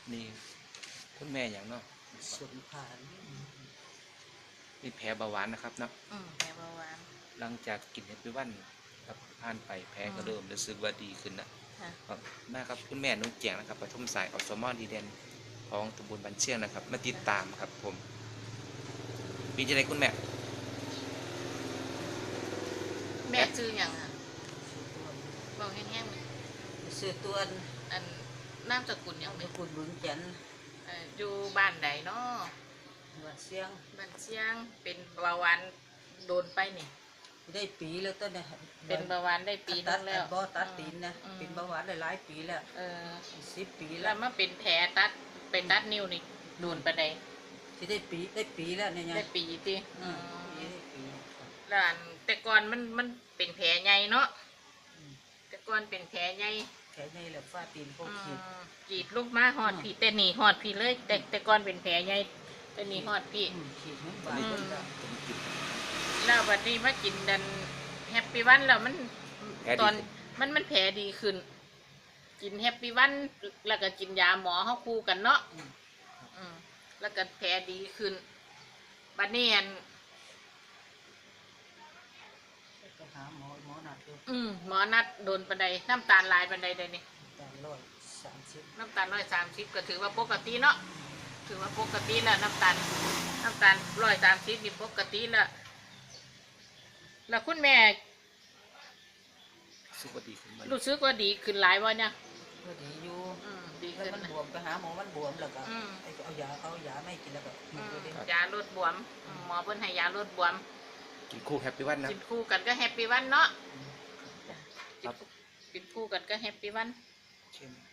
นี่คุณแม่อย่างเนาะสุนผ่านมีแผลเบาหวานนะครับเนาะแผลเบาหวานหลังจากกินเฮปปี้วันครับผ่านไปแผลก็เริ่มรู้สึกว่าดีขึ้นนะค่ะครับนะครับคุณแม่นุ่งเจียงนะครับปฐมสายอสมดีเด่นของตำบลบันเชียงนะครับมาติดตามครับผมมีอะไรคุณแม่แม่ชื่ออย่างอ่ะสุตัวบอกแห้งๆเลยสุตัวอันนามสกุลอย่างเป็นี้นคุณบุญจันทร์อยู่บ้านใดเนาะว่าเสียงบ้านเชียงเป็นเบาหวานโดนไปนี่ได้ปีแล้วต้นเนี่ยเป็นเบาหวานได้ปีนึงแล้วบ่ตัดตีนนะเป็นเบาหวานหลายปีแล้ว 10 ปีแล้แล้ว วมาเป็นแผลตัดเป็นตัดนิ้วนี่โดนไปได้ที่ได้ปีแล้วเนี่ยได้ปีติได้ปีแล้วอันแต่ก่อนมันเป็นแผลใหญ่เนาะแต่ก่อนเป็นแผลใหญ่แค่นี้แหละฟาตีนพวกขีดกรีดลูกมาหอดพี่แต่หนีหอดพี่เลย แต่ก่อนเป็นแผลใหญ่แต่หนีหอดพี่ขีดมันบาดมันแล้วแล้ววันนี้มากินดันแฮปปี้วันแล้วมันแผลดีตอนขึ้นมันแผลดีขึ้น กินแฮปปี้วันแล้วก็กินยาหมอเข้าคู่กันเนาะแล้วก็แผลดีขึ้นบัดนี้อันไปหาหมอนัดดูหมอนัดโดนปันไดน้ำตาลลายปันไดเลยนี่แต่130 น้ำตาล130ก็ถือว่าปกติเนาะถือว่าปกติแล้วน้ำตาล130นี่ปกติแล้วคุณแม่รู้สึกว่าดีขึ้นไหมรู้สึกว่าดีขึ้นหลายวะเนี่ยก็ดีอยู่ดีแล้วขึ้นมันนะบวมไปหาหมอมันบวมแล้วก็อืมไอ้ก็เอายาไม่กินแล้วก็หยุดเลยยาลดบวมหมอเพิ่นให้ยาลดบวมกินคู่แฮปปี้วันนะกินคู่กันก็แฮปปี้วันเนาะครับกินคู่กันก็แฮปปี้วันเข้ม